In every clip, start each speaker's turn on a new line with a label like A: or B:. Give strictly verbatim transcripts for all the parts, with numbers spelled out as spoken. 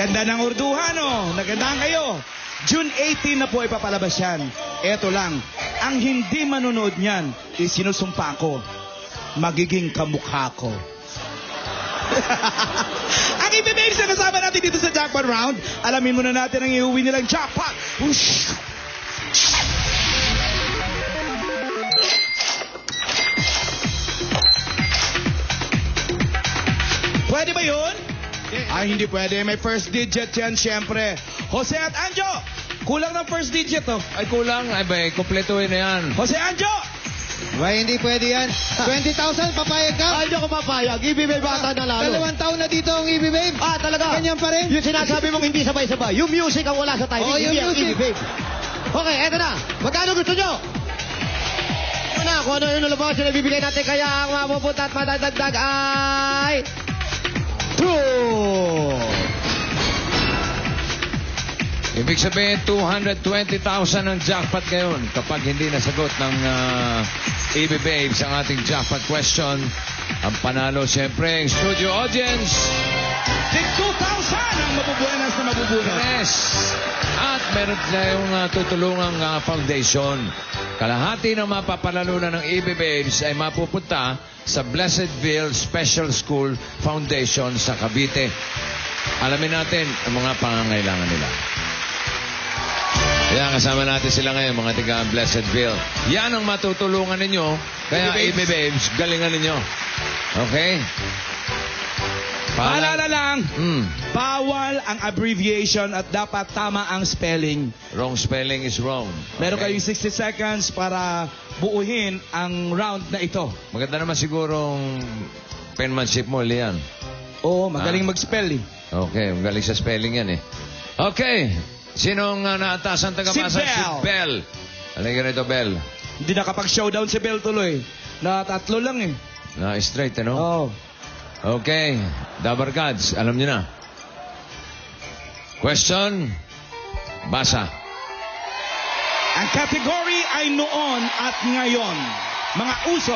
A: Ganda ng urduhan, oh. Nagandaan kayo. June eighteen na po ipapalabas yan. Eto lang, ang hindi manonood niyan, isinusumpa ko, magiging kamukha ko. Ang ibibigay sa kasama natin dito sa Jackpot Round, alamin muna natin ang iuwi nilang jackpot. Whoosh! Pwede ba yun? Ay, hindi pwede. May first digit yan, syempre. Jose at Anjo, kulang ng first digit, oh.
B: Ay, kulang. Ay, ba, kompletuhin na yan.
A: Jose Anjo!
C: Why, hindi pwede yan. twenty thousand, papayag ka?
D: Ay, hindi ako mapayag. Ibibay bata na lalo.
C: Dalawang taon na dito ang ibibay.
D: Ah, talaga?
C: Ganyan pa rin.
D: Yung sinasabi mong hindi sabay-sabay. Yung music ang wala sa timing.
C: Oo, yung
D: hindi ang
C: music.
D: ibibay. Okay, eto na. Magkano gusto nyo? Ito na, kung ano yung nalabas yung nabibigay natin. Kaya ang mapupunta at madadagdag ay... True!
B: Ibig sabihin, two hundred twenty thousand ang jackpot ngayon kapag hindi nasagot ng uh, A B Babes ang ating jackpot question. Ang panalo, siyempre, ang studio audience.
A: Take two thousand ang mabubuenas na mabubuenas.
B: Yes. At meron tayong uh, tutulungang uh, foundation. Kalahati ng mapapalalunan ng A B Babes ay mapupunta sa Blessedville Special School Foundation sa Cavite. Alamin natin ang mga pangangailangan nila. Kaya kasama natin sila ngayon, mga tiga Blessedville. Yan ang matutulungan ninyo. Kaya A B Babes, galingan ninyo. Okay?
A: Paalala lang,
B: Mm.
A: bawal ang abbreviation at dapat tama ang spelling.
B: Wrong spelling is wrong.
A: Meron
B: Okay?
A: kayong sixty seconds para buuhin ang round na ito.
B: Maganda naman sigurong penmanship mo, Lian.
A: Oo, magaling
B: Ah.
A: mag-spell eh.
B: Okay, magaling sa spelling yan eh. Okay, sinong uh, naatasan taga-masa?
A: Si Bell.
B: Si Bell. Halika rito, Bell.
A: Hindi nakapag-showdown si Bell tuloy. Na tatlo lang eh.
B: Na straight, ano?
A: Oo.
B: Okay, Dabar Gods, alam niyo na. Question, basa.
A: Ang category ay noon at ngayon. Mga uso.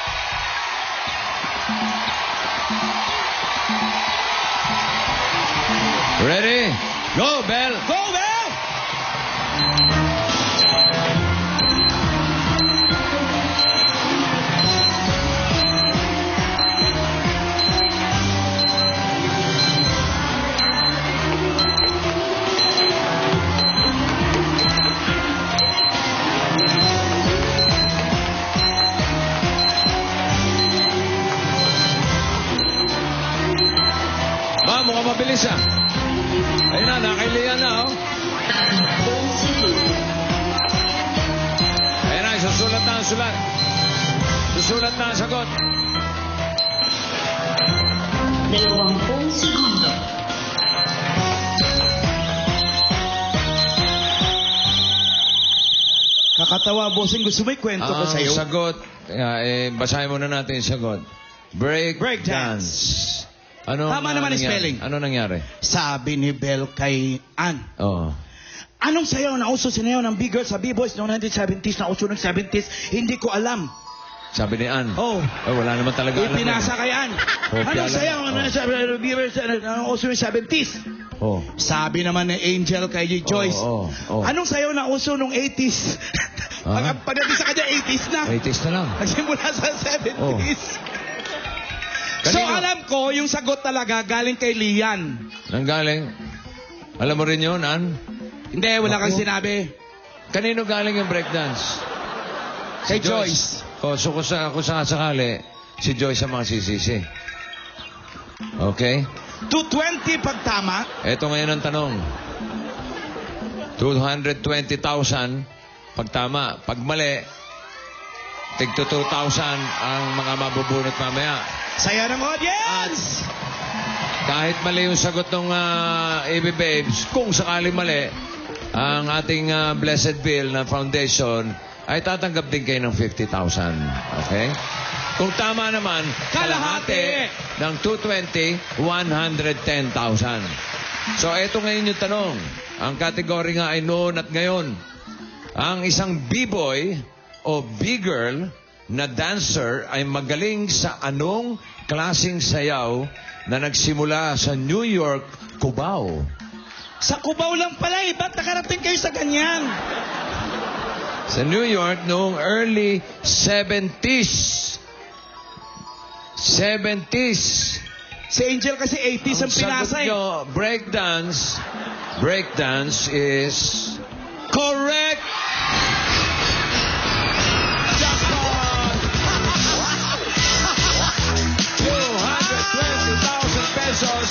B: Ready? Go, Bell!
A: Go, Bell!
B: Ba, mukhang mabilis ah. Ayun na, nakailihan na oh. Ayun na, susulat na ang sulat. Susulat na ang sagot.
E: Dalawampung segundo.
A: Kakatawa, bossing. Gusto mo ikwento ko
B: Ang
A: sa'yo?
B: sagot, yeah, eh, basahin muna natin yung sagot. Break,
A: Break dance.
B: dance. Ano
A: Tama naman ang
B: nangyari?
A: spelling.
B: Ano nangyari?
A: Sabi ni Bell kay Ann.
B: Oh.
A: Anong sayaw na uso sinayaw ng big girls sa B-boys noong nineteen seventies na uso ng seventies? Hindi ko alam.
B: Sabi ni Ann.
A: Oh.
B: Oh, wala naman talaga alam.
A: Ipinasa kay Ann.
B: Kopya
A: Anong
B: lang.
A: sayaw
B: Oh.
A: na sabi ng B-boys na uso ng seventies?
B: Oh.
A: Sabi naman ni Angel kay Joyce.
B: Oh, oh, oh.
A: Anong sayaw na uso nung eighties?
B: Ah?
A: Pag pagdating sa kanya, eighties na.
B: eighties na lang.
A: Nagsimula sa seventies. So
B: Kanino?
A: alam ko, yung sagot talaga galing kay Lian.
B: Nanggaling. Alam mo rin yun, Ann?
A: Hindi, wala kang
B: Ako?
A: sinabi.
B: Kanino galing yung breakdance?
A: Kay Joyce.
B: Oh, so kung, sa, kung sakasakali, si Joyce ang mga sisisi. Okay?
A: two twenty pag tama.
B: Ito ngayon ang tanong. two hundred twenty thousand pag tama. Pag mali, tig to two thousand ang mga mabubunot mamaya.
A: Saya ng audience!
B: Kahit mali yung sagot ng uh, A B Babes, kung sakali mali, ang ating uh, Blessedville na foundation ay tatanggap din kayo ng fifty thousand. Okay? Kung tama naman, kalahati ng two twenty, one hundred ten thousand. So, eto ngayon yung tanong. Ang kategory nga ay noon at ngayon. Ang isang B-boy o B-girl na dancer ay magaling sa anong klasing sayaw na nagsimula sa New York, Cubao.
A: Sa Cubao lang pala eh. Ba't nakarating kayo sa ganyan?
B: Sa New York noong early seventies. seventies.
A: Si Angel kasi eighties ang pinasa eh.
B: nyo, breakdance. Breakdance is correct. Jackpot! two hundred twenty thousand pesos.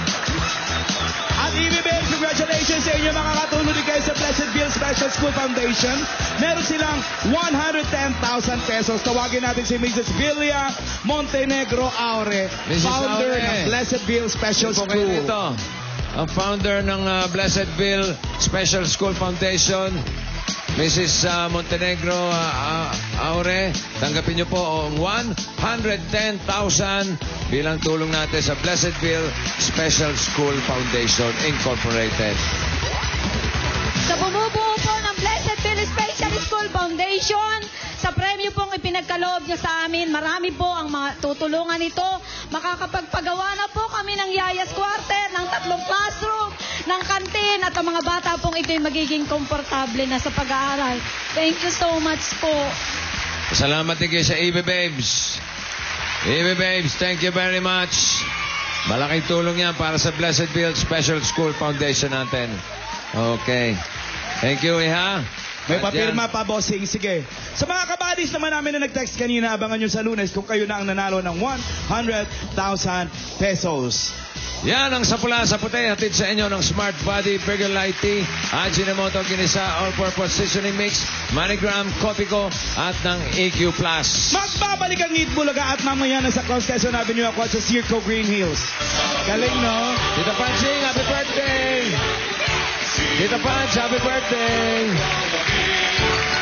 A: At E B B M, congratulations sa inyo mga katulong din kayo sa Pleasantville Special School Foundation. Meron silang one hundred ten thousand pesos. Tawagin natin si Missus Villa Montenegro Aure,
B: Missus
A: founder
B: Aure.
A: ng Pleasantville Special
B: Po kayo
A: School.
B: dito. Ang founder ng uh, Blessedville Special School Foundation, Missus uh, Montenegro uh, uh, Aure, tanggapin niyo po ang one hundred ten thousand bilang tulong natin sa Blessedville Special School Foundation Incorporated.
F: Sa bumubuo po ng Blessedville Special School Foundation, sa premyo pong ipinagkaloob niyo sa amin, marami po ang mga tutulungan nito. Makakapagpagawa na po kami ng Yayas Quarter, ng tatlong classroom, ng kantin, at ang mga bata pong ito'y magiging komportable na sa pag-aaral. Thank you so much po.
B: Salamat din kayo sa E B Babes. E B Babes, thank you very much. Malaking tulong yan para sa Blessedville Special School Foundation natin. Okay. Thank you, Iha.
A: May
B: At
A: papirma
B: yan.
A: pa, bossing. Sige. Sa mga kabadis naman namin na nag-text kanina, abangan nyo sa Lunes kung kayo na ang nanalo ng one hundred thousand pesos.
B: Yan ang sapula sa puti. Hatid sa inyo ng Smart Body, Burger Light Tea, Ajinomoto Ginisa, All-Purpose Seasoning Mix, Manigram, Copico, at ng E Q Plus.
A: Magbabalik ang Eat Bulaga at mamaya na sa Cross Quezon Avenue ako at sa Circo Green Hills. Galing, no?
B: Tita Panching, happy birthday! Tita Panch, happy birthday!